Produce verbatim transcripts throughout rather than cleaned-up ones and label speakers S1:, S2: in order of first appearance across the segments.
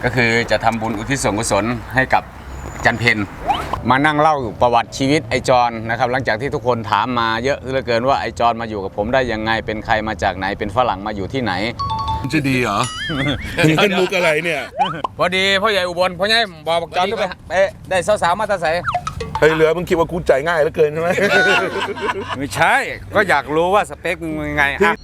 S1: ก็คือจะทำบุญอุทิศส่วนกุศลให้กับจันเพนมานั่งเล่าประวัติชีวิตไอจอนนะครับหลังจากที่ทุกคนถามมาเยอะเหลือเกินว่าไอจอนมาอยู่กับผมได้ยังไงเป็นใครมาจากไหนเป็นฝรั่งมาอยู่ที่ไหน
S2: จะดีเหรอนี่เป็นมุกอะไรเนี่ย
S1: พอดีพ่อใหญ่อุบลพ่อใหญ่บอกจอนไปไปได้สาวๆมาตาใส
S2: ไอ้เหลือมึงคิดว่ากูใจง่ายเหลือเกินใช่ไหม
S1: ไม่ใช่ก็อยากรู้ว่าสเปคมึงยังไงอ่ะ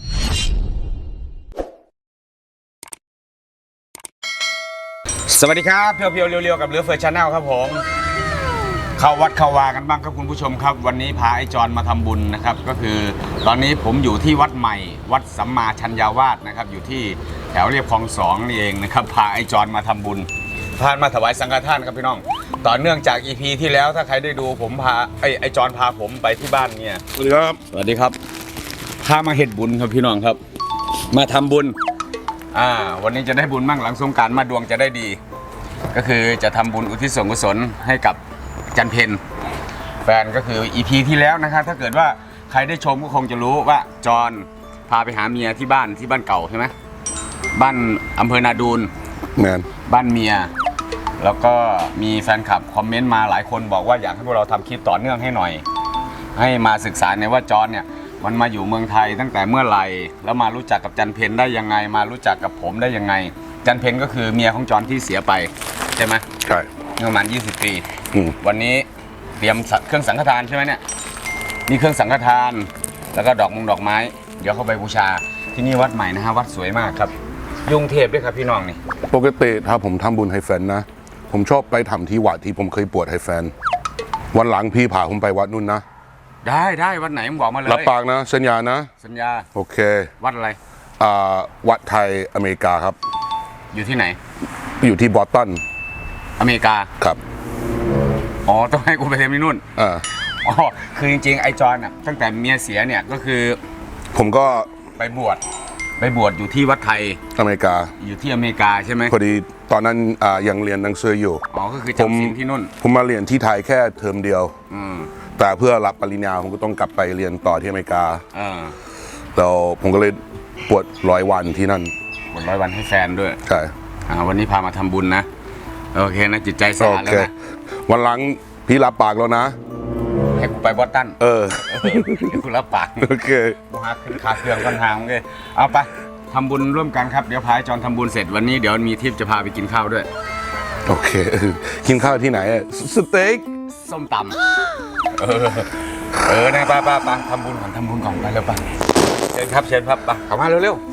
S1: สวัสดีครับเพียวเพียวเรียวๆกับเรือเฟิร์สชาแนลครับผมเข้าวัดเข้าวากันบ้างครับคุณผู้ชมครับวันนี้พาไอ้จอนมาทำบุญนะครับก็คือตอนนี้ผมอยู่ที่วัดใหม่วัดสัมมาชัญญาวาสนะครับอยู่ที่แถวเรียบคลองสองนี่เองนะครับพาไอ้จอนมาทำบุญพามาถวายสังฆทานครับพี่น้องต่อเนื่องจาก อี พี ที่แล้วถ้าใครได้ดูผมพาไอ้ไอ้จอนพาผมไปที่บ้านเนี่ย
S2: สวัสดีครับ
S1: สวัสดีครับพามาเฮ็ดบุญครับพี่น้องครับมาทำบุญอ่าวันนี้จะได้บุญมั่งหลังสงกรานต์มาดวงจะได้ดีก็คือจะทำบุญอุทิศส่วนกุศลให้กับจันเพนแฟนก็คือ อี พี ที่แล้วนะครับถ้าเกิดว่าใครได้ชมก็คงจะรู้ว่าจอนพาไปหาเมียที่บ้านที่บ้านเก่าใช่ไหมบ้านอำเภอนาดูน
S2: แมน
S1: บ้านเมียแล้วก็มีแฟนคลับคอมเมนต์มาหลายคนบอกว่าอยากให้พวกเราทำคลิปต่อเนื่องให้หน่อยให้มาศึกษาในว่าจอนเนี่ยมันมาอยู่เมืองไทยตั้งแต่เมื่อไหร่แล้วมารู้จักกับจันเพนได้ยังไงมารู้จักกับผมได้ยังไงจันเพนก็คือเมียของจอนที่เสียไปใช่ไหม
S2: ใช่
S1: ประมาณยี่สิบปีวันนี้เตรียมเครื่องสังฆทานใช่ไหมเนี่ยนี่เครื่องสังฆทานแล้วก็ดอกมงดอกไม้เดี๋ยวเข้าไปบูชาที่นี่วัดใหม่นะฮะวัดสวยมากครับยุงเทพด้วยครับพี่น้องนี่
S2: ปกติถ้าผมทำบุญให้แฟนนะผมชอบไปทำที่วัดที่ผมเคยปวดให้แฟนวันหลังพี่พาผมไปวัดนู่นนะ
S1: ได้ได้วัดไหนมึงบอกมาเลย
S2: รับปากนะสัญญานะ
S1: สัญญา
S2: โอเค
S1: วัดอะไร
S2: อ่าวัดไทยอเมริกาครับ
S1: อยู่ที่ไหน
S2: อยู่ที่บอสตัน
S1: อเมริกา
S2: ครับ
S1: อ๋อต้องให้กูไปเทมที่นู่น
S2: อ่า
S1: อ๋อคือจริงๆไอจอนอ่ะตั้งแต่เมียเสียเนี่ยก็คือ
S2: ผมก็
S1: ไปบวชไปบวชอยู่ที่วัดไทย
S2: อเมริกา
S1: อยู่ที่อเมริกาใช่ไหม
S2: พอดีตอนนั้นอ่ายังเรียนหนังสืออยู่
S1: อ๋อก็คือจำศีลที่นู่น
S2: ผมมาเรียนที่ไทยแค่เทอมเดียว
S1: อืม
S2: แต่เพื่อรับปริญญาผมก็ต้องกลับไปเรียนต่อที่อเมริกา
S1: อ่า
S2: แล้วผมก็เลยบวชร้อยวันที่นั่น
S1: บวชร้อยวันให้แฟนด้วย
S2: ใช่
S1: อ่าวันนี้พามาทำบุญนะโอเคนะจิตใจสะอาดแล้วนะ
S2: วันหลังพี่รับปากแล้วนะ
S1: ให้กูไปบอสตัน
S2: เออ
S1: เดี๋ยวกูรับปาก
S2: โอเค
S1: กูหาขึ้นขาเครื่องกันทางเลยเอาไปทำบุญร่วมกันครับเดี๋ยวพาจอนทำบุญเสร็จวันนี้เดี๋ยวมีทิปจะพาไปกินข้าวด้วย
S2: โอเคกินข้าวที่ไหนสเต็ก
S1: ส้มตำเออเออนะป้าป้าป้าทำบุญก่อนทำบุญก่อนไปเร็วป้าเชิญครับเชิญครับป้าเข้ามาเร็วๆ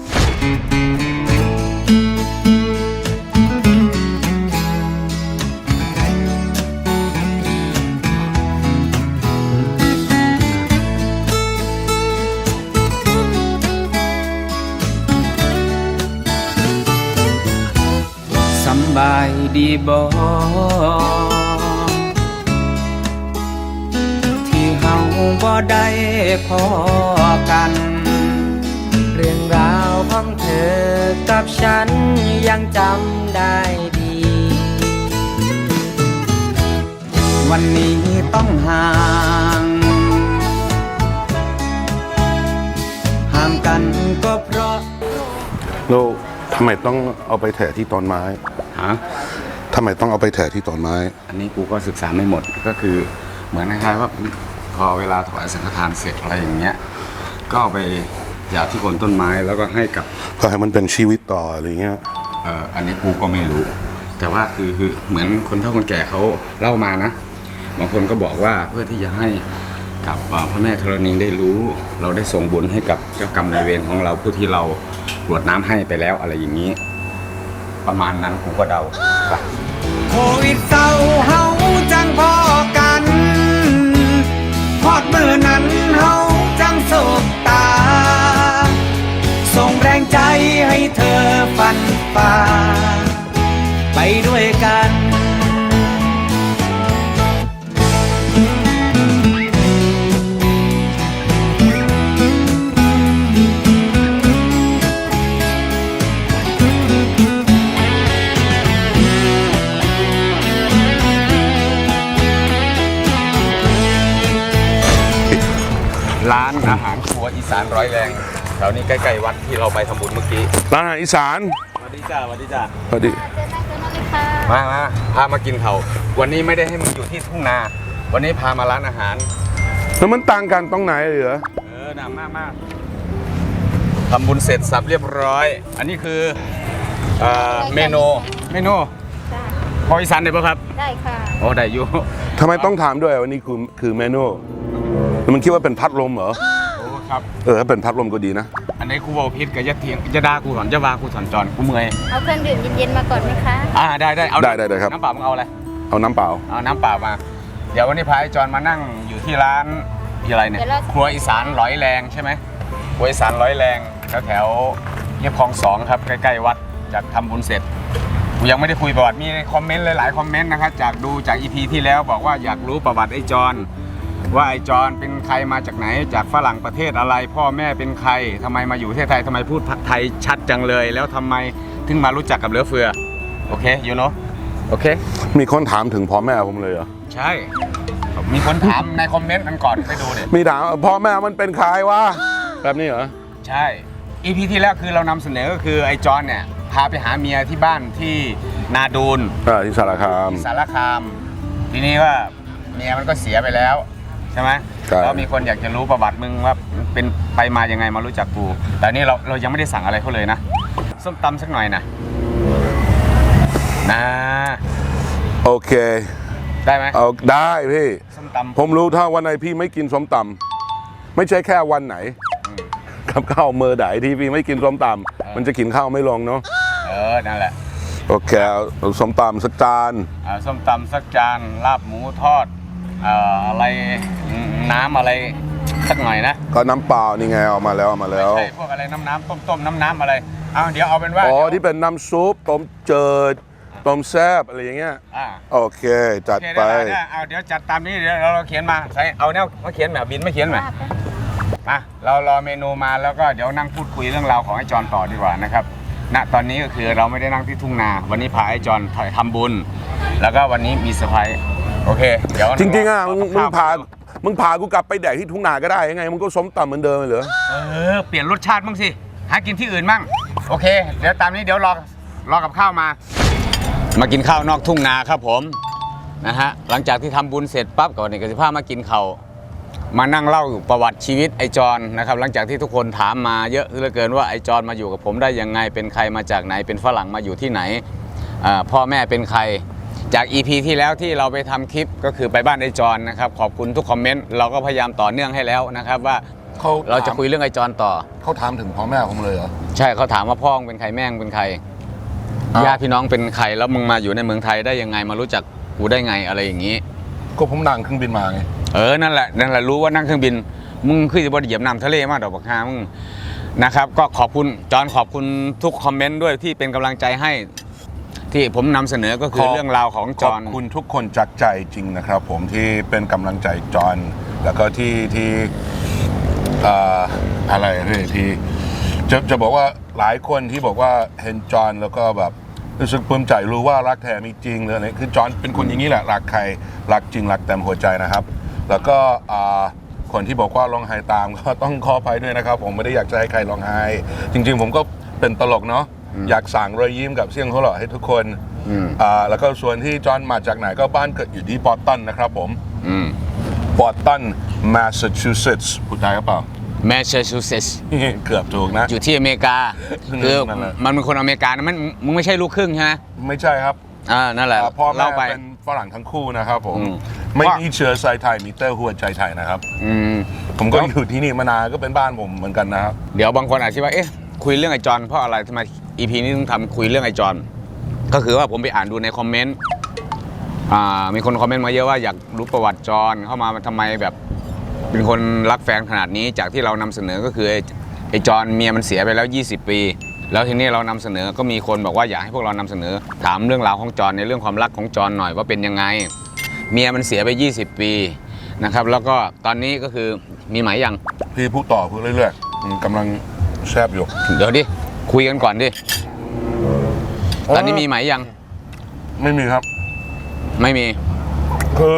S1: สบายดีบ่ที่เฮาบ่ได้พอกันเรื่องราวของเธอกับฉันยังจำได้ดีวันนี้ต้องห่างห่างกันก็เพราะ
S2: โลทำไมต้องเอาไปแถะที่ต้นไม้
S1: ฮะ
S2: ทำไมต้องเอาไปแถะที่ต้นไม้
S1: อันนี้กูก็ศึกษาไม่หมดก็คือเหมือนคล้ายๆว่าพอเวลาถวายสังฆทานเสร็จอะไรอย่างเงี้ยก็เอาไปหยาบที่โคนต้นไม้แล้วก็ให้กับ
S2: ก็ให้มันเป็นชีวิตต่ออะไรเงี้ย
S1: เอออันนี้กูก็ไม่รู้แต่ว่าคือคือเหมือนคนเฒ่าคนแก่เขาเล่ามานะบางคนก็บอกว่าเพื่อที่จะให้กับพระแม่ธรณีได้รู้เราได้ส่งบุญให้กับเจ้ากรรมนายเวรของเราผู้ที่เรากรวดน้ำให้ไปแล้วอะไรอย่างนี้ประมาณนั้นผมก็เดาโควิดเศร้าเฮาจังพอกันพอดมือนั้นเฮาจังโศกตาส่งแรงใจให้เธอฟันฝ่าไปด้วยกันร้านอาหารครัวอีสานร้อยแรงแถวนี้ใกล้ๆวัดที่เราไปทำบุญเมื่อกี้
S2: ร้านอาหารอีสาน
S1: สวัสดีจ้าสวัสดีจ้า
S2: สวัสดี
S1: มามาพามากินเขาวันนี้ไม่ได้ให้มึงอยู่ที่ทุ่งนา วันนี้พามาร้านอาหาร
S2: แล้วมันต่างกันตรงไหนเหรอ
S1: เออหนามากมากทำบุญเสร็จสับเรียบร้อย อันนี้คือเอ่อเมนูเมนู
S3: จ้า
S1: พออีสานได้ปะครับ
S3: ได้ค่ะ
S1: โอ้ได้อยู่
S2: ทำไมต้องถามด้วยว่านี่คือคือเมนูแล้วมันคิดว่าเป็นพัดลมเหรอ
S1: โอ้ครับ
S2: เออถ้าเป็นพัดลมก็ดีนะ
S1: อันนี้กูบอกพิษกับยะเทียงจะด่ากูสอนจะว่ากูสอนจอนกูเมื่อย
S3: เอาเครื่องดื่มเย็นๆมาก่อนไหมคะ
S1: อ่าได้ได้เอา
S2: ได้ได้ได้ครับ
S1: น้ำเปล่ามึงเอาอะไร
S2: เอาน้ำเปล่า
S1: เอาน้ำเปล่ามา เดี๋ยววันนี้พาไอ้จอนมานั่งอยู่ที่ร้านที่อะไรเนี่ยครัวอีสานร้อยแรงใช่ไหมครัวอีสานร้อยแรงแถวแถวๆเรียบคลองสองครับใกล้ๆวัดจากทำบุญเสร็จกูยังไม่ได้คุยประวัติมีคอมเมนต์หลายๆคอมเมนต์นะครับจากดูจากอีพีที่แล้วบอกว่าอยากรู้ประวัติไอ้จอนว่าไอ้จอนเป็นใครมาจากไหนจากฝรั่งประเทศอะไร พ่อแม่เป็นใครทำไมมาอยู่ประเทศไทยทำไมพูดไทยชัดจังเลย แล้วทำไมถึงมารู้จักกับเหลือเฟือโอเคยูโนโอเค
S2: มีคนถามถึงพ่อแม่ผมเลยเหรอ
S1: ใช่ มีคนถามในคอมเมนต์กันก่อนไปดูเด็
S2: มีถามพ่อแม่มันเป็นใครวะแบบนี้เหรอ
S1: ใช่ อีพีที่แล้วคือเรานำเสนอก็คือไอ้จอนเนี่ยพาไปหาเมียที่บ้านที่นาดูน
S2: อ่าที่สารคาม
S1: ที่สารคาม ทีนี้ว่าเมียมันก็เสียไปแล้วใช่ไหม
S2: ใช่
S1: แล้วมีคนอยากจะรู้ประวัติมึงว่าเป็นไปมายังไงมารู้จักกู แต่นี่เราเรายังไม่ได้สั่งอะไรเขาเลยนะส้มตำสักหน่อยนะนะ
S2: โอเค
S1: ได้ไหม
S2: เอาได้พี่
S1: ส้มตำ
S2: ผมรู้ถ้าวันไหนพี่ไม่กินส้มตำไม่ใช่แค่วันไหน กับข้าวมือไหนที่พี่ไม่กินส้มตำมันจะกินข้าวไม่ลงเนาะ
S1: เออนั่นแหละ
S2: โอเคเอาเอาส้มตำสักจาน
S1: อ่าส้มตำสักจานลาบหมูทอดเอ่ออะไรน้ำอะไรสักหน่อยนะ
S2: ก็น้ำเปล่านี่ไงเอามาแล้วเอามาแล้ว
S1: ใช่พวกอะไรน้ำน้ำต้มต้มน้ำน้ำอะไรเอาเดี๋ยวเอาเป็นว่า
S2: อ๋อ
S1: เดี๋ยว
S2: ที่เป็นน้ำซุปต้มเจิดต้มแซ่บอะไรอย่างเงี้ย
S1: อ่า
S2: โอเคจัด
S1: โอเค
S2: ไป
S1: ได้ได้เอาเดี๋ยวจัดตามนี้เดี๋ยวเราเขียนมาใส่เอาแนวมาเขียนแบบบินไม่เขียนแบบมาเรารอเมนูมาแล้วก็เดี๋ยวนั่งพูดคุยเรื่องราวของไอ้จอนต่อดีกว่านะครับณตอนนี้ก็คือเราไม่ได้นั่งที่ทุ่งนา วันนี้พาไอ้จอนทำบุญ แล้วก็วันนี้มีเซอร์ไพรส์โอเคเดี๋ยว
S2: จริงๆอ่ะมึงมึงพา
S1: เอ
S2: มึงพากูกลับไปแดกที่ทุ่งนาก็ได้ยังไงมึงก็ส้มตำเหมือนเดิมเลยเหรอ
S1: เออเปลี่ยนรสชาติบ้างสิหากินที่อื่นบ้างโอเค เดี๋ยวตามนี้เดี๋ยวรอรอกับข้าวมา มากินข้าวนอกทุ่งนาครับผมนะฮะหลังจากที่ทำบุญเสร็จปั๊บก่อนเนี่ยก็จะพามากินข้าวมานั่งเล่าประวัติชีวิตไอจอนนะครับหลังจากที่ทุกคนถามมาเยอะเหลือเกินว่าไอจอนมาอยู่กับผมได้ยังไงเป็นใครมาจากไหนเป็นฝรั่งมาอยู่ที่ไหนอ่าพ่อแม่เป็นใครจาก อี พี ที่แล้วที่เราไปทำคลิปก็คือไปบ้านไอจอนนะครับขอบคุณทุกคอมเมนต์เราก็พยายามต่อเนื่องให้แล้วนะครับว่า
S2: เขา
S1: เราจะคุยเรื่องไอจอนต่อ
S2: เขาถามถึงพ่อแม่ผมเลยเหรอ
S1: ใช่เขาถามว่าพ่อมึงเป็นใครแม่มึงเป็นใคร
S2: อ้าว
S1: ญาติพี่น้องเป็นใครแล้วมึงมาอยู่ในเมืองไทยได้ยังไงมารู้จักกูได้ไงอะไรอย่างนี้
S2: ก็ผมนั่งเครื่องบินมาไง
S1: เออนั่นแหละนั่นแหละรู้ว่านั่งเครื่องบินมึงขึ้นจะบนเหยียบน้ำทะเลมากดอกบักฮามึงนะครับก็ขอบคุณจอนขอบคุณทุกคอมเมนต์ด้วยที่เป็นกำลังใจให้ ที่ผมนำเสนอก็คือ
S2: ขอบ
S1: เรื่องราวของจ
S2: ข
S1: อ
S2: อน บคุณทุกคนจากใจจริงนะครับ ผมที่เป็นกำลังใจจอห์นแล้วก็ที่ที่เอ่ออะไรพี่ที่จะจะบอกว่าหลายคนที่บอกว่าเห็นจอห์นแล้วก็แบบรู้สึกปลื้มใจรู้ว่ารักแท้มีจริงหรืออะไรคือจอห์นเป็นคนอย่างนี้แหละรักใครรักจริงรักเต็มหัวใจนะครับ แล้วก็อ่าคนที่บอกว่าร้องไห้ตามก็ต้องขออภัยด้วยนะครับ ผมไม่ได้อยากจะให้ใครร้องไห้จริง ๆ ผมก็เป็นตลกเนาะอยากสั่งรอยยิ้มกับเสียงหัวเราะให้ทุกคน
S1: อืม
S2: อ่าแล้วก็ส่วนที่จอห์นมาจากไหนก็บ้านเกิดอยู่ที่บอสตันนะครับผม
S1: อืม
S2: บอสตันแมสซาชูเซตส์พูดได้หรือเปล่า
S1: แมสซาชูเซตส์
S2: เกือบถูกนะ
S1: อยู่ที่อเมริกาคือ
S2: นั่นแหละ
S1: มันเป็นคนอเมริกานะมันมึงไม่ใช่ลูกครึ่งใช่ไหม
S2: ไม่ใช่ครับ
S1: อ่านั่นแหละ
S2: อ่าพ่อแม่
S1: เล่าไป
S2: เป็นฝรั่งทั้งคู่นะครับผม
S1: อืม
S2: ไม่มีเชื้อสายไทยมีแต่หัวใจไทยนะครับ
S1: อืม
S2: ผมก็อยู่ที่นี่มานานก็เป็นบ้านผมเหมือนกันนะครับ
S1: เดี๋ยวบางคนอาจจะว่าเอ๊ะคุยเรื่องไอจอนเพราะอะไรทำไม อี พี นี้ต้องทำคุยเรื่องไอจอนก็คือว่าผมไปอ่านดูในคอมเมนต์อ่ามีคนคอมเมนต์มาเยอะว่าอยากรู้ประวัติจอนเข้ามาทำไมแบบเป็นคนรักแฟนขนาดนี้จากที่เรานำเสนอก็คือไอ้ไอจอนเมียมันเสียไปแล้วยี่สิบปี แล้วทีนี้เรานำเสนอก็มีคนบอกว่าอยากให้พวกเรานำเสนอ ถามเรื่องราวของจอนในเรื่องความรักของจอนหน่อยว่าเป็นยังไง เมียมันเสียไปยี่สิบปีนะครับแล้วก็ตอนนี้ก็คือมีหมายยัง
S2: พี่พูดต่อพูดเรื่อยๆอืมกำลังแซบอยู่
S1: เดี๋ยวดิคุยกันก่อนดิตอนนี้มีหมายยัง
S2: ไม่มีครับ
S1: ไม่มี
S2: คือ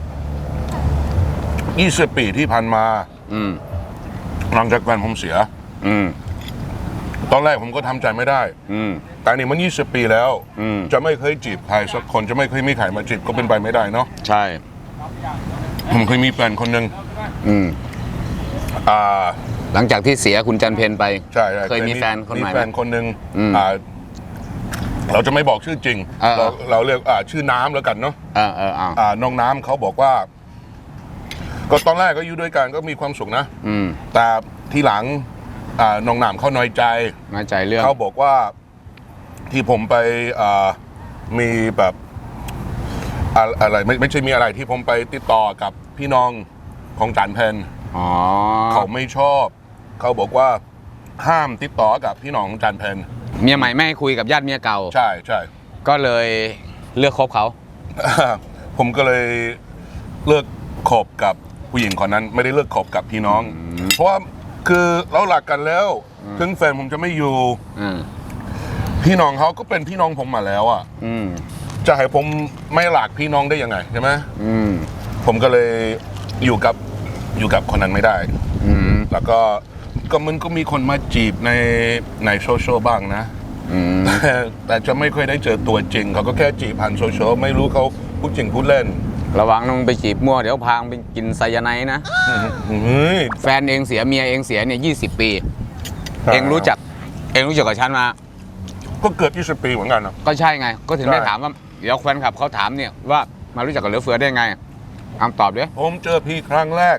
S2: ยี่สิบปีที่ผ่านมา
S1: อืม
S2: หลังจากแฟนผมเสีย
S1: อืม
S2: ตอนแรกผมก็ทำใจไม่ได้
S1: อืม
S2: แต่นี่มันยี่สิบปีแล้ว
S1: อืม
S2: จะไม่เคยจีบใครสักคนจะไม่เคยมีใครมาจีบก็เป็นไปไม่ได้เนาะ
S1: ใช่
S2: ผมเคยมีแฟนคนหนึ่ง
S1: อืม
S2: อ่า
S1: หลังจากที่เสียคุณจันเพนไป
S2: ใช่ใช่
S1: เคยมีแฟนคนใหม่
S2: มี
S1: ไหม
S2: แฟนคนหนึ่ง
S1: อืม
S2: อ่าเราจะไม่บอกชื่อจริง
S1: เออ
S2: เราเราเรียกอ่าชื่อน้ำแล้วกันเนาะ
S1: เออเออเอา
S2: อ่าน้องน้ำเขาบอกว่า ก็ตอนแรกก็อยู่ด้วยกันก็มีความสุขนะ
S1: อืม
S2: แต่ทีหลังอ่าน้องน้ำเขาน้อยใจ
S1: น้อยใจเรื่อง
S2: เขาบอกว่าที่ผมไปอ่ามีแบบอะอะไรไม่ไม่ใช่มีอะไรที่ผมไปติดต่อกับพี่น้องของจันเพน
S1: อ๋อ
S2: เขาไม่ชอบ เขาบอกว่าห้ามติดต่อกับพี่น้องของจันเพน
S1: เมียใหม่ไม่ให้คุยกับญาติเมียเก่า
S2: ใช่ใช่
S1: ก็เลยเลือกคบเขา
S2: ผมก็เลยเลิกคบกับผู้หญิงคนนั้น ไม่ได้เลิกคบกับพี่น้อง เพราะว่าคือเราหลักกันแล้ว ถึงแฟนผมจะไม่อยู่
S1: อืม
S2: พี่น้องเขาก็เป็นพี่น้องผมมาแล้วอ่ะ
S1: อืม
S2: จะให้ผมไม่หลักพี่น้องได้ยังไงใช่ไหม
S1: อืม
S2: ผมก็เลยอยู่กับอยู่กับคนนั้นไม่ได้
S1: อืม
S2: แล้วก็ก็มันก็มีคนมาจีบในในโซเชียลบ้างนะ
S1: อืม
S2: แต่แต่จะไม่ค่อยได้เจอตัวจริง เขาก็แค่จีบผ่านโซเชียลไม่รู้เขาพูดจริงพูดเล่น
S1: ระวังน้องไปจีบมั่วเดี๋ยวพางไปกินไซยาไนด์นะ
S2: เฮ้ย
S1: แฟนเองเสียเมียเองเสียเนี่ยยี่สิบปี เองรู้จัก เองรู้จักกับฉันมา
S2: ก็เกือบยี่สิบปีเหมือนกันนะ
S1: ก็ใช่ไง ก็ถึง
S2: ใช่
S1: ได้ถามว่า เดี๋ยวแฟนคลับเขาถามเนี่ยว่ามารู้จักกับเหลือเฟือได้ไงอามตอบดิ
S2: ผมเจอพี่ครั้งแรก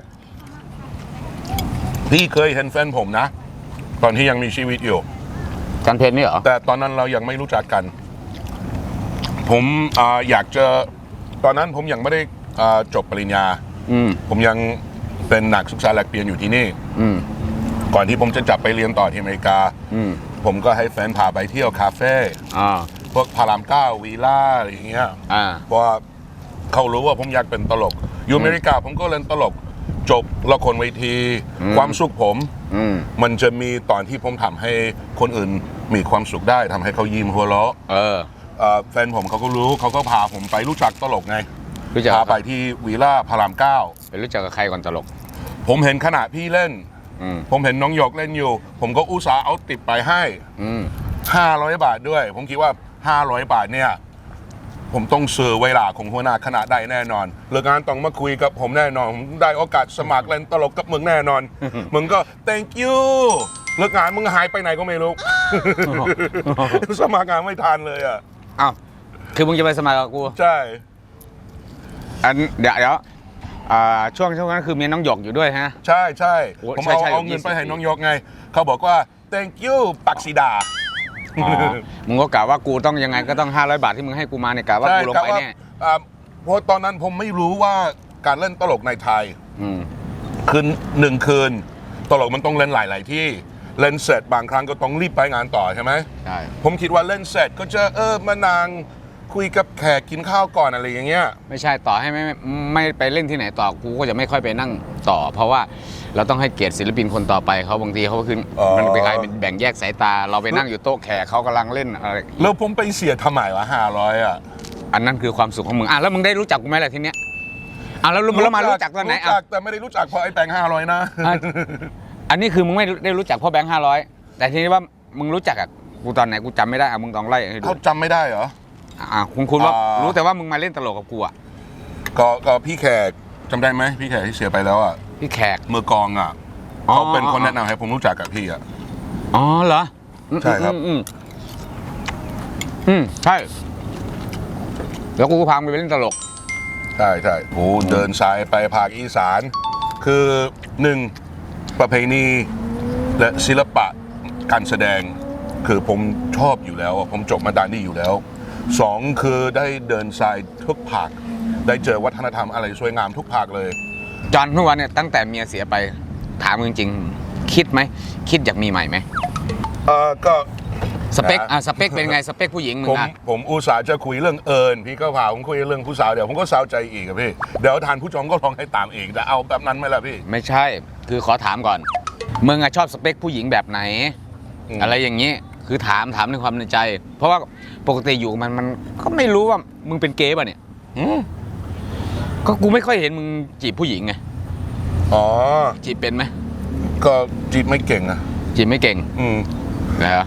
S2: พี่เคยเห็นแฟนผมนะ ตอนที่ยังมีชีวิตอยู่
S1: จันเพนนี่เหรอ
S2: แต่ตอนนั้นเรายังไม่รู้จักกัน ผมอาอยากจะตอนนั้นผมยังไม่ได้อ่าจบปริญญา
S1: อืม
S2: ผมยังเป็นนักศึกษาแลกเปลี่ยนอยู่ที่นี่
S1: อืม
S2: ก่อนที่ผมจะจับไปเรียนต่อที่อเมริกา
S1: อืม
S2: ผมก็ให้แฟนพาไปเที่ยวคาเฟ่
S1: อ่า
S2: พวกพารามเก้าวีล่าอะไรอย่างเงี้ย
S1: อ่า
S2: เพราะว่าเขารู้ว่าผมอยากเป็นตลก อยู่อเมริกาผมก็เล่นตลก จบละครเวที
S1: อืม
S2: ความสุขผม
S1: อืม
S2: มันจะมีตอนที่ผมทำให้คนอื่นมีความสุขได้ทำให้เขายิ้มหัวเราะ
S1: เออ
S2: เอ่อแฟนผมเขาก็รู้เขาก็พาผมไปรู้จักตลกไง
S1: รู้จัก
S2: พา
S1: กับ
S2: ไปที่วีล่าพารามเก้า
S1: ไปรู้จักกับใครก่อนตลก
S2: ผมเห็นขณะพี่เล่น
S1: อืม
S2: ผมเห็นน้องหยกเล่นอยู่ ผมก็อุตส่าห์เอาติดไปให้
S1: อืม
S2: ห้าร้อยบาทด้วย ผมคิดว่าห้าร้อยบาทเนี่ย ผมต้องซื้อเวลาของหัวหน้าคณะได้แน่นอนเลิกงานต้องมาคุยกับผมแน่นอน ผมได้โอกาสสมัครเล่นตลกกับมึงแน่นอน มึงก็ thank you เลิกงานมึงหายไปไหนก็ไม่รู้ สมัครงานไม่ทันเลยอ่ะ
S1: อ้าว คือมึงจะไปสมัครกับกู
S2: ใช่
S1: อันเดี๋ยวเดี๋ยวอ่าช่วงช่วงนั้นคือมีน้องหยกอยู่ด้วยฮะ
S2: ใช่ใช่
S1: โอ้
S2: ผม
S1: ใช่
S2: เอา
S1: ใช่
S2: เอาเงิน
S1: ยี่สิบ
S2: ไปให้น้องยกไง เขาบอกว่า thank you ปักสีดา
S1: อ๋อ มึงก็กะว่ากูต้องยังไงก็ต้องห้าร้อยบาทที่มึงให้กูมาเนี่ยกะว่า
S2: ใช่
S1: กูลง
S2: กะ
S1: ไป
S2: ว่า
S1: แน่
S2: อ่าเพราะตอนนั้นผมไม่รู้ว่าการเล่นตลกในไทย
S1: อืม
S2: คืนหนึ่งคืน ตลกมันต้องเล่นหลาย ๆ ที่เล่นเสร็จบางครั้งก็ต้องรีบไปงานต่อใช่ไหม
S1: ใช่
S2: ผมคิดว่าเล่นเสร็จก็จะเออมานางคุยกับแขกกินข้าวก่อนอะไรอย่างเงี้ย
S1: ไม่ใช่ต่อให้ไม่ไม่ไม่ไปเล่นที่ไหนต่อกูก็จะไม่ค่อยไปนั่งต่อ เพราะว่าเราต้องให้เกียรติศิลปินคนต่อไปเขาบางทีเขาก็คือ
S2: อ๋อ
S1: มันเป็นการแบ่งแยกสายตา เราไปนั่งอยู่โต๊ะแขกเขากำลังเล่นอะไร
S2: แล้วผมไปเสียทำไมวะห้าร้อยอ่ะ
S1: อันนั้นคือความสุขของมึงอ่ะแล้วมึงได้รู้จักกูไหมล่ะทีเนี้ยอ่ะแล้วแล้วมารู้จักตอนไหน
S2: รู้
S1: อ่ะ
S2: จักแต่ไม่ได้รู้จักเพราะไอ้แบงค์ห้าร้อยนะ
S1: อ่ะ อันนี้คือมึงไม่ได้รู้จักพ่อแบงค์ห้าร้อยแต่ทีนี้ว่ามึงรู้จักอ่ะกูตอนไหนกูจำไม่ได้อ่ะมึงต้องไล่ให้ดู
S2: เขาจำไม่ได้เหรอ
S1: อ่ะคุณคุณว่า
S2: อ่ารู้
S1: รู้แต่ว่ามึงมาเล่นตลกกับกูอ่ะ
S2: ก็ก็พี่แขกจำได้ไหมพี่แขกที่เสียไปแล้วอ่ะ
S1: พี่แขก
S2: มือกลองอ่ะ
S1: อ๋อ
S2: เขาเป็นคนแนะนำให้ผมรู้จักกับพี่อ่ะ
S1: อ๋อเหรอ
S2: ใช่ครับ
S1: อืมอืมอืมใช่แล้วกูก็พามึงไปเล่นตลก
S2: ใช่ใช่โอ้เดินสายไปภาคอีสาน คือหนึ่งประเพณีและศิลปะการแสดง คือผมชอบอยู่แล้วอะผมจบมาด้านนี้อยู่แล้วสองคือได้เดินสายทุกภาค ได้เจอวัฒนธรรมอะไรสวยงามทุกภาคเลย
S1: จอนทุกวันเนี่ยตั้งแต่เมียเสียไปถามมึงจริงๆคิดไหมคิดอยากมีใหม่ไหม
S2: เออก็
S1: สเปค
S2: นะ
S1: อ่ะสเปคเป็นไงสเปคผู้หญิงมึ
S2: ผ
S1: ง
S2: ม
S1: อ่ะ
S2: ผมอุตส่าห์จะคุยเรื่องเอิญพี่ก็พาผมคุยเรื่องผู้สาวเดี๋ยวผมก็สาวใจอีกอะพี่เดี๋ยวทานผู้ชมก็ลองให้ตามอีกแต่เอาแบบนั้นไหมล่ะพี่
S1: ไม่ใช่คือขอถามก่อนมึงอะชอบสเปคผู้หญิงแบบไหน
S2: อืม
S1: อะไรอย่างนี้คือถามถามในความในใจ เพราะว่าปกติอยู่กับมันมันก็ไม่รู้ว่ามึงเป็นเกย์ป่ะเนี่ย
S2: อืม
S1: ก็กูไม่ค่อยเห็นมึงจีบผู้หญิงไง
S2: อ๋อ
S1: จีบเป็นไหม
S2: ก็จีบไม่เก่งอะ
S1: จีบไม่เก่ง
S2: อืม
S1: นะฮะ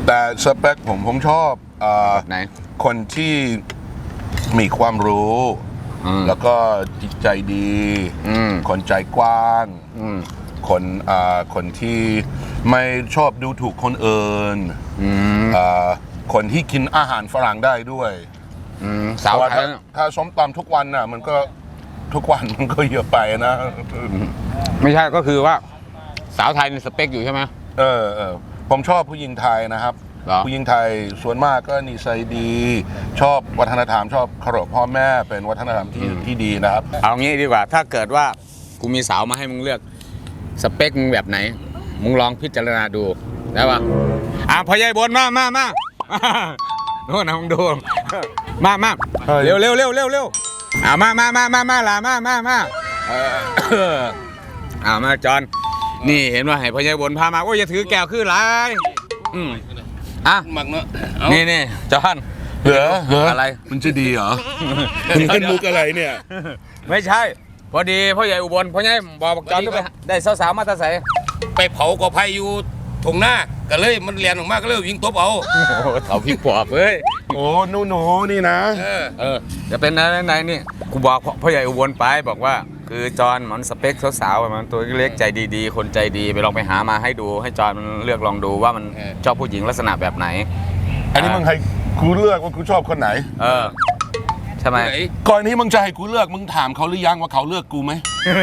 S2: แต่สเปคผมผมชอบเอ่อ
S1: ไหน
S2: คนที่มีความรู้
S1: อืม
S2: แล้วก็จิตใจดี
S1: อืม
S2: คนใจกว้าง
S1: อืม
S2: คนอ่าคนที่ไม่ชอบดูถูกคนอื่น
S1: อืม
S2: อ่าคนที่กินอาหารฝรั่งได้ด้วย
S1: อืมสาว
S2: เพระ
S1: ไท
S2: ถ้าย ถ้าส้มตำทุกวันน่ะมันก็ทุกวันมันก็เยอะไปนะ
S1: ไม่ใช่ก็คือว่า สาวไทยในสเปคอยู่ใช่ไหม
S2: เออเออผมชอบผู้หญิงไทยนะครับ
S1: เหรอ
S2: ผู้หญิงไทยส่วนมากก็นิสัยดี ชอบวัฒนธรรมชอบเคารพพ่อแม่เป็นวัฒนธรรมที่ที่ดีนะครับ
S1: เอางี้ดีกว่า ถ้าเกิดว่ากูมีสาวมาให้มึงเลือก สเปคมึงแบบไหน มึงลองพิจารณาดูได้ปะอ่ะพอใหญ่บนมามามาโน่นนะมึงดูมามา
S2: เฮ้ย
S1: เร็วเร็วเร็วเร็วเร็วอ่ะมามามามามาล่ะมามามาเอออ่ามาจอนนี่เห็นว่าให้พอใหญ่บนพามาโอ้ยอย่าถือแก้วคือไรอืมอ่ะ
S4: หมักเนาะ
S1: นี่นี่จอน
S2: เหรอเหรอ
S1: อะไร
S2: มันจะดีเหรอมึงเล่นมุกอะไรเนี่ย
S1: ไม่ใช่ พอดีพ่อใหญ่อุบลพ่อใหญ่บอกจอนก็ไปได้สาวๆมาแตาใส
S4: ไปเผากอไผ่อยู่ถงหน้าก็เลยมันเรียนออกมาก็เลยวิ่งตบเอา
S1: โอ้โหเถาพี่ปอบเอ้ย
S2: โอ้หนูหนูนี่นะ
S4: เออ
S1: เออจะเป็นอะไรไหนนี่กูบอกพ่อพ่อใหญ่อุบลไปบอกว่า คือจอนมันสเปคสาวๆมันตัวเล็กใจดีๆ คนใจดีไปลองไปหามาให้ดูให้จอนมันเลือกลองดูว่ามันชอบผู้หญิงลักษณะแบบไหน
S2: อันนี้มึงให้กูเลือกว่ากูชอบคนไหน
S1: เออใช่ไหม
S4: ไหน
S2: ก่อนที่มึงจะให้กูเลือกมึงถามเขาหรือยังว่าเขาเลือกกูไหม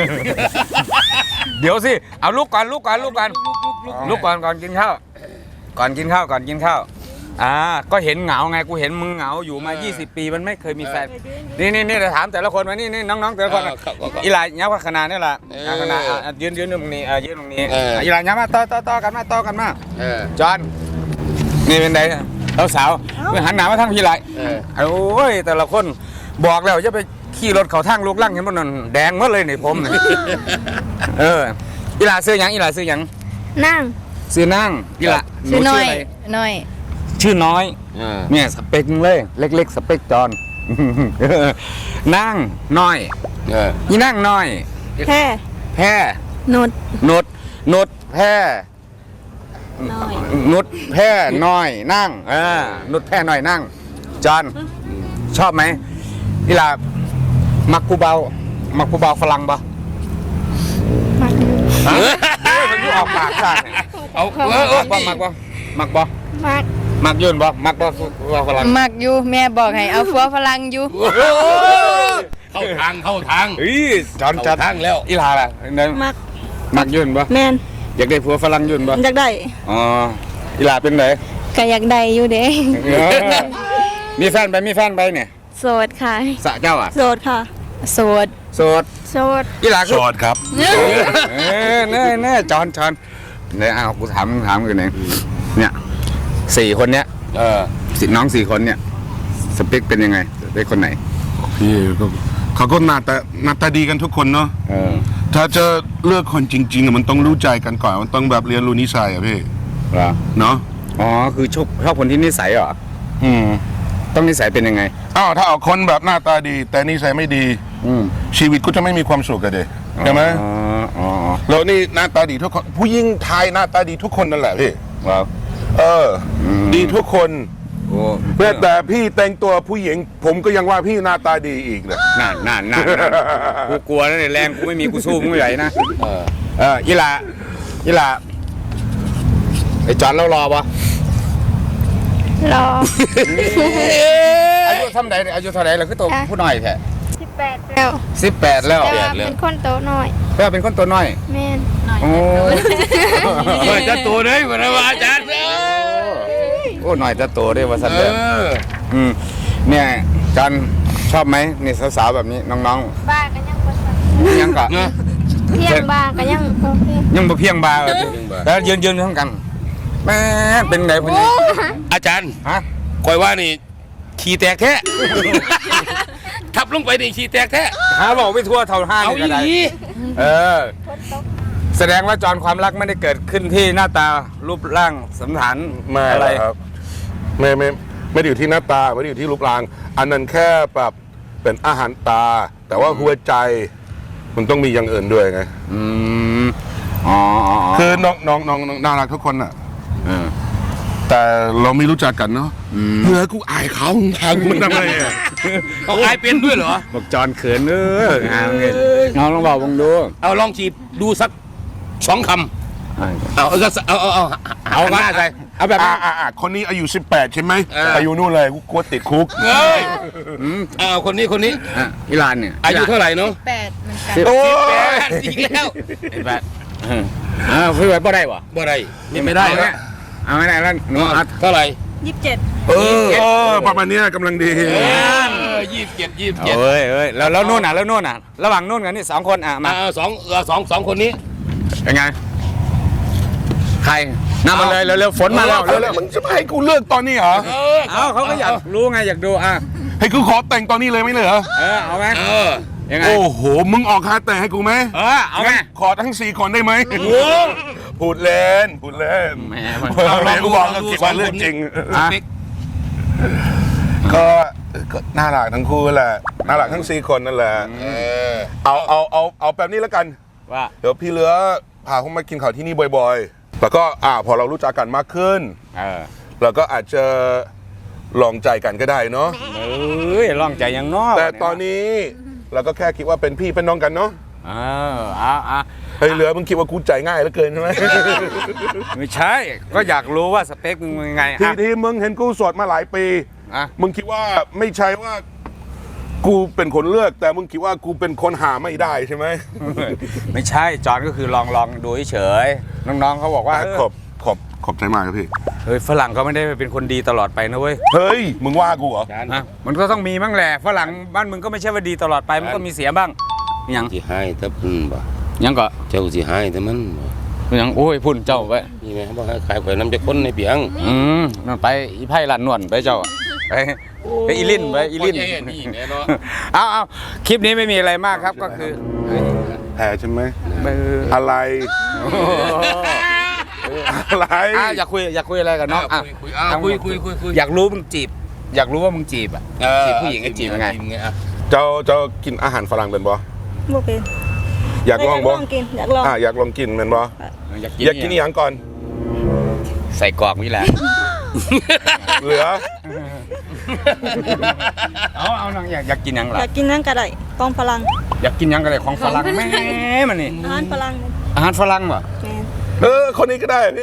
S1: เดี๋ยวสิเอาลูกก่อนลูกก่อนลูกก่อนลูกก่อนก่อนกินข้าวก่อนกินข้าวก่อนกินข้าวอ่าก็เห็นเหงาไงกูเห็นมึงเหงาอยู่มา ยี่สิบ ปีมันไม่เคยมีแฟนนี่นี่นี่เดี๋ยวถามแต่ละคนมานี่นี่น้องๆแต่ละคน
S4: เออครับครับครับ
S1: อีหลายยับขนาดนี่แหละ
S4: เออ
S1: อ่ะขนาดอ่ะยืนยืนตรงนี้อ่ะยืนตรงนี้
S4: เอออี
S1: อีหลายยับมาต่อต่อต่อกันมาต่อกันมา
S4: เออ
S1: จอนนี่เป็นไงเราสาวไปหันหน้ามาทางพี่ไหล
S4: เออ
S1: โอ้ยแต่ละคนบอกแล้วจะไปขี่รถเขาทางลูกลั่งเห็นบ่นั่นแดงหมดเลยนี่ผมนี่ เอออีหลาซื้อหยังอีหลาซื้อหยัง
S3: นั่ง
S1: ซื้อนั่งอีหลา
S3: ชื่อน้อย
S1: ะไร
S3: น้อย
S1: ชื่อน้อย
S4: เออ
S1: เนี่ยสเปคเลย เล็ก ๆ สเปคจอน นั่งน้อย
S4: เออ
S1: อีนั่งน้อย
S3: แค่
S1: แพ้
S3: นุด
S1: นุดนุดแพ้
S3: น้อย
S1: นุดแพ้น้อยนั่งเออนุดแพ้น้อยนั่ง จอนชอบไหมอีหลามักผู้เบามักผู้เบาฝรั่งปะ
S3: มัก
S1: เฮ้ยมันอยู่ออกปากซ่าเนี่ย
S4: เอาเออเออ
S1: มักบ่มักบ่มักบ่
S3: มัก
S1: มักยืนบ่มักบ่ว่าฝรั่ง
S3: มักอยู่แม่บอกให้เอาฟัวฝรั่งอยู่
S4: เข้าทางเข้าทาง
S1: เฮ้ยจอนจัด
S4: เข้าทางแล้ว
S1: อีหลาล่ะเนี่ย
S3: มัก
S1: มักยืนบ่
S3: แม่น
S1: อยากได้ผัวฝรั่งยืนบ่
S3: อยากได้
S1: อ๋ออีหลาเป็นไง
S3: ก็อยากได้อยู่เด้
S1: เออมีแฟนไปมีแฟนไปเนี่ย
S3: โสดค่ะ
S1: สะเจ้าอ่ะ
S3: โสดค่ะ โสด
S1: โสด
S3: โสด
S1: อีหลาคื
S2: โส
S1: อ
S2: ดครับ
S1: เออแน่แน่จอนจอนเนี่ยเอากูถามถามกันเองเนี่ยสี่คนเนี้ย
S4: เออ
S1: สิน้องสี่คนเนี่ยสเปคเป็นยังไงสเปคคนไหน
S2: พี่ก็เขาก็หน้าตาหน้าตาดีกันทุกคนเนาะ
S1: เออ
S2: ถ้าจะเลือกคนจริงๆอะมันต้องรู้ใจกันก่อนมันต้องแบบเรียนรู้นิสัยอะพี่
S1: เหรอ
S2: เนาะ
S1: อ๋อคือชอบชอบคนที่นิสัยเหรออืมต้องนิสัยเป็นยังไง
S2: อ้าวถ้าเอาคนแบบหน้าตาดี แต่นิสัยไม่ดี
S1: อืม
S2: ชีวิตก็จะไม่มีความสุขกันเดใช่ไหม
S1: อ๋ออ๋อ
S2: แล้วนี่หน้าตาดีทุกคนผู้หญิงไทยหน้าตาดีทุกคนนั่นแหละพี่
S1: ว้าว
S2: เอออ
S1: ม
S2: ดีทุกคน
S1: โอ้
S2: แม้แต่พี่แต่งตัวผู้หญิง ผมก็ยังว่าพี่หน้าตาดีอีกเลย
S1: นั่นนั่นนั่นนั่นกูกลัวนะเนี่ยแรงกูไม่มีกูสู้มึงไม่ไหวนะ
S4: เออ
S1: เอออีหลาอีหลาไอ้จอนเรารอปะ
S3: รอ
S1: อายุเท่าไหร่อายุเท่าไหร่เราคือตัว
S3: อ่ะ
S1: ผู้น้อยแท้
S3: สิบแปดแล้ว
S1: สิบแปดแล้ว
S3: แต่ว่าเป็นคนโตน้อย
S1: เพื่อเป็นคนตัวน้อย
S3: แม่นน้อย
S1: โอ้
S4: เปิดจะตัวเลยวันนี้อาจารย์เออ
S1: โอ้หน่อยจะโตได้ว่าสัน
S4: เอ
S1: เดอ
S4: อ
S1: อืมเนี่ยจันชอบไหมนี่สาวๆแบบนี้น้อง
S3: บ้าก็ยังบ่สั่น
S1: ๆยังกะ
S4: เนอะ
S3: เที่ยงบ้าก็ยังโอเค
S1: ยังบ่เพียงบาแบบนี้
S4: เพียงบ่า
S1: แล้วยืนยืนทั้งกันแม่เป็นไงพวก
S3: โอ้
S1: นี้
S4: อาจารย์
S1: ฮะ
S4: คอยว่านี่ขี้แตกแท้ ทับลงไปนี่ขี้แตกแท้
S1: หาบอกไม่ทั่วเท่าห้า
S4: เอา
S1: นี่
S4: อี
S1: ก็ได้
S4: หลี
S1: เออ แสดงว่าจอนความรักไม่ได้เกิดขึ้นที่หน้าตารูปร่างสันฐาน
S2: ไม่
S1: อะไร
S2: ครับไม่ไม่ไม่ได้อยู่ที่หน้าตาไม่ได้อยู่ที่รูปร่าง อันนั้นแค่แบบเป็นอาหารตา แต่ว่าหัวใจ มันต้องมีอย่างอื่นด้วยไง
S1: อืมอ๋ออ๋ออ๋อ
S2: คือน้องน้องน้องน้องน่ารักทุกคนอ่ะ
S1: เออ
S2: แต่เราไม่รู้จักกันเนาะเมื่อกูอายเขาทางมันทำไมอ่ะ
S4: เขาอายเป็นด้วยเหรอ
S1: บอกจอนเขินเอองานเงินน้องลองบอกวงดู
S4: เอาลองจีบดูสักสองคำเอาเอาเอาเอาเอา
S1: เอาหน้าใส่เอาแบบ
S2: อ่าอ่าอ่าคนนี้อายุสิบแปดใช่ไหม
S4: เอออ
S2: อายุนู่นเลยกูกลัวติดคุก
S4: เฮ้ยเอาคนนี้คนนี้
S1: อ่ะอิหรานเนี่ย
S4: อายุเท่าไหร่เนาะ
S3: แปดเหมือนกัน
S2: โอ้
S4: แป
S2: ย
S4: ดอีกแล้ว
S1: ไอ้แปดอ้าวพี่ไว้บ่ได้บ่
S4: บ่ได้นี่ไม่ได้
S1: เอา
S4: แล้
S1: เนี่
S4: วย
S1: เอาไม่ได้แล้วหนูเอา
S4: เท่าไหร่
S3: ยี่สิบเจ็ด
S2: เออเออประมาณเนี้ยกำลังดี
S4: ยี่สิบเจ็ดยี่สิบเจ็ด
S1: เอ้ยเอ้ยแล้วแล้วนู่นอ่ะแล้วนู่นอ่ะระหว่างนู่นกับนี่สองคนอ่ะมา
S4: มาสองสองสองคนนี้
S1: เป็นไงใครนำมาเลยเร็วๆฝนมาแล้ว
S2: เร็
S1: เร็
S2: ว
S1: ว
S2: ๆมึงจะมาให้กูเลิกตอนนี้เหรอ
S4: เออ
S1: ๆเอาเขาก็อยากรู้ไงอยากดูอ่ะ
S2: ให้กูขอแต่งตอนนี้เลยไหมเหรอ
S1: เออเอาไหม
S4: เออ
S1: ยังไง
S2: โอ้โหมึงออกค่าแต่งให้กูไหม
S1: เออเอาไหม
S2: งั้นขอทั้งสี่คนได้ไหมพูดเล่นพูดเล่น
S1: แหมมัน
S2: เอาเลยกูบอกแล้วคิดว่าเรื่องจริง
S1: อ่ะ
S2: ก็ก็น่ารักทั้งคู่แหละน่ารักทั้งสี่คนนั่นแหละ
S4: เออ
S2: เอาเอาเอาเอาแบบนี้แล้วกัน
S1: ว่า
S2: เดี๋ยวพี่เหลือพาเขามากินข้าวที่นี่บ่อยๆ แล้วก็อ่าพอเรารู้จักกันมากขึ้น
S1: เออ
S2: เราก็อาจจะลองใจกันก็ได้เนาะ
S1: เอ้ยลองใจยังนอก
S2: แต่ตอนนี้เราก็แค่คิดว่าเป็นพี่เป็นน้องกันเนาะ
S1: เออเอาเอา
S2: เฮ้ยเหลือมึงคิดว่ากูใจง่ายเหลือเกินใช่ไหม
S1: ไม่ใช่ก็อยากรู้ว่าสเปคมึงเป็นยังไง
S2: ที่
S1: อ่ะ
S2: ที่มึงเห็นกูโสดมาหลายปี
S1: อ่ะ
S2: มึงคิดว่าไม่ใช่ว่า กูเป็นคนเลือก แต่มึงคิดว่ากูเป็นคนหาไม่ได้ใช่ไหม
S1: ไม่ใช่จอนก็คือลองลองดูเฉยๆน้องๆเขาบอกว่าเออ
S2: ขอบขอบขอบใจมากครับพี่
S1: เฮ้ยฝรั่งเขาไม่ได้เป็นคนดีตลอดไปนะเว้ย
S2: เฮ้ยมึงว่ากูเหรอ
S1: อ่ะมันก็ต้องมีบ้างแหละฝรั่งบ้านมึงก็ไม่ใช่ว่าดีตลอดไปมันก็มีเสียบ้างยัง
S4: สิให้แต่เพิ่นบ่
S1: ยังก็
S4: เจ้าสิให้แต่มันบ่
S1: ยังโอ้ยพุ่นเจ้าไป
S4: นี่แม่บ่ให้ขายข่อยน้ำจะคนในเปียง
S1: อืมนั่นไปอีไพ่หลานนวลไปเจ้าไปไปอีลินไปอีลิน
S4: โอ้ยนี่แม่เนาะ
S1: เอาเอาคลิปนี้ไม่มีอะไรมากครับก็คือ
S2: แพ้ใช่ไหม
S1: เออ
S2: อะไร อะไร
S1: อ่ะอยากคุยอยากคุยอะไรกับน้องอ่ะ
S4: คุยๆอ่ะคุยคุยคุยคุย
S1: อยากรู้มึงจีบ อยากรู้ว่ามึงจีบอ่ะ
S4: เออ
S1: จีบผู้หญิงก็จีบยังไง
S4: อ่ะ
S2: เจ้าเจ้ากินอาหารฝรั่งเป็นบ่
S3: บ่เป็น
S2: อยากลองบ่
S3: กินอยากลอง
S2: อ่ะอยากลองกินเป็นบ่
S1: อยากกิน
S2: อยากกินอหย่างก่อน
S1: ใส่กรอกนี่แหละ
S2: เหลือ
S1: เอาเอาน้องอยากอยากกินหยัง
S3: อ
S1: ล่ะ
S3: ยากกินนั่งกระไดกองพลัง
S1: อยากกินหยังก็ได้ของฝรั่งแม่มันนี่
S3: อาหารพลัง
S1: อาหารฝรั่งเหรอ
S3: แม่น
S2: เออคนนี้ก็ได้พี่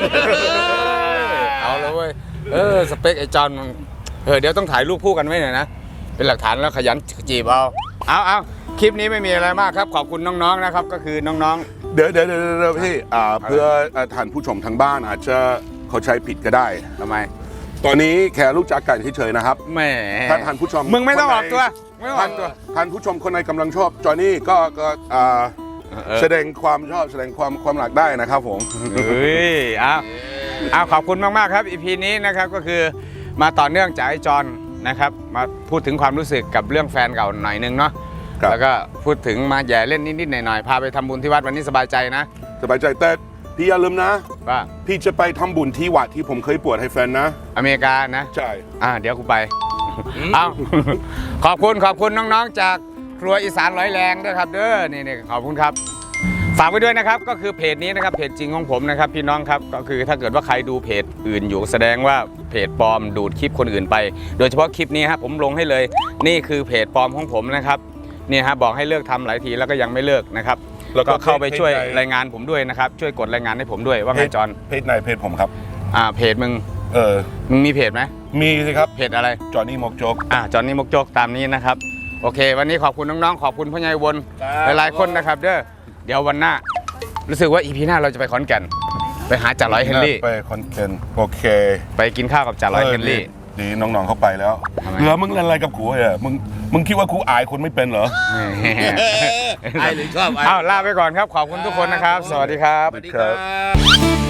S1: เอาแล้วเว้ยเออสเปคไอ้จอนมันเออเดี๋ยวต้องถ่ายรูปคู่กันไว้หน่อยนะเป็นหลักฐานแล้วขยันจีบเอาเอาเอาคลิปนี้ไม่มีอะไรมากครับขอบคุณน้องๆนะครับก็คือน้อง
S2: เดี๋ยวเดี๋ยวเดี๋ยวเดี๋ยวพี่อ่าเพื่ออ่าท่านผู้ชมทางบ้านอาจจะเข้าใจผิดก็ได้
S1: ๆทำไม
S2: ตอนนี้แค่รู้จักกันเฉยๆนะครับ
S1: แหม
S2: ท่านท่านผู้ชม
S1: มึงไม่ต้อง
S2: คน
S1: อ
S2: ไหน
S1: อกตัวไม่ต้องอ
S2: ท่า
S1: อน กตัว
S2: ท่านผู้ชมคนไหนกำลังชอบจอห์นนี่ก็ก็อ่า
S1: เออ
S2: แสดงความชอบแสดงความความรักได้นะครับผม
S1: เฮ้ยเอาเอาขอบคุณมากๆครับอีพีนี้นะครับก็คือมาต่อเนื่องจากไอ้จอนนะครับมาพูดถึงความรู้สึกกับเรื่องแฟนเก่าหน่อยนึงเนาะ
S2: ครับ
S1: แล้วก็พูดถึงมาแย่เล่นนิดๆหน่อยๆพาไปทำบุญที่วัดวันนี้สบายใจนะ
S2: สบายใจแต่พี่อย่าลืมนะ
S1: ว่า
S2: พี่จะไปทำบุญที่วัดที่ผมเคยปวดให้แฟนนะ
S1: อเมริกานะ
S2: ใช่
S1: อ่าเดี๋ยวกูไปเอา ขอบคุณขอบคุณน้องๆจากครัวอีสานร้อยแรงด้วยครับเด้อนี่นี่ขอบคุณครับ ฝากไว้ด้วยนะครับก็คือเพจนี้นะครับเพจจริงของผมนะครับพี่น้องครับก็คือถ้าเกิดว่าใครดูเพจอื่นอยู่แสดงว่าเพจปลอมดูดคลิปคนอื่นไป โดยเฉพาะคลิปนี้ครับผมลงให้เลยนี่คือเพจปลอมของผมนะครับเนี่ยฮะบอกให้เลิกทำหลายทีแล้วก็ยังไม่เลิกนะครับ
S2: แล้วก็
S1: ก็เข้าไปช่วย
S2: เพจไหน
S1: รายงานผมด้วยนะครับช่วยกดรายงานให้ผมด้วยว่าไงจอน
S2: เพจไหนเพจผมครับ
S1: อ่าเพจมึง
S2: เออ
S1: มึงมีเพจไหม
S2: มีสิครับ
S1: เพจอะไร
S2: จอห์นนี่มกจก
S1: อ่าจอนนี่มกโจกตามนี้นะครับโอเค วันนี้ขอบคุณน้องๆขอบคุณพ่อใหญ่วน
S2: ครับ
S1: หลายๆคนนะครับเด้อเดี๋ยววันหน้า รู้สึกว่าอีพีหน้าเราจะไปขอนแก่นไปหาจ่าร้อยเฮนรี่
S2: ไปคอนเทนต์โอเค
S1: ไปกินข้าวกับจ่าร้อยเฮนรี่
S2: ดีน้องๆเข้าไปแล้ว
S1: ทำไม
S2: เหลือมึงเล่นอะไรกับกูอ่ะมึงมึงคิดว่ากูอายคนไม่เป็นเหรอ
S4: ไอ้หรือชอบไอ้
S1: อ้าวลาไปก่อนครับ ขอบคุณทุกคนนะครับ สวัสดีครับ
S4: สวัสดีครับ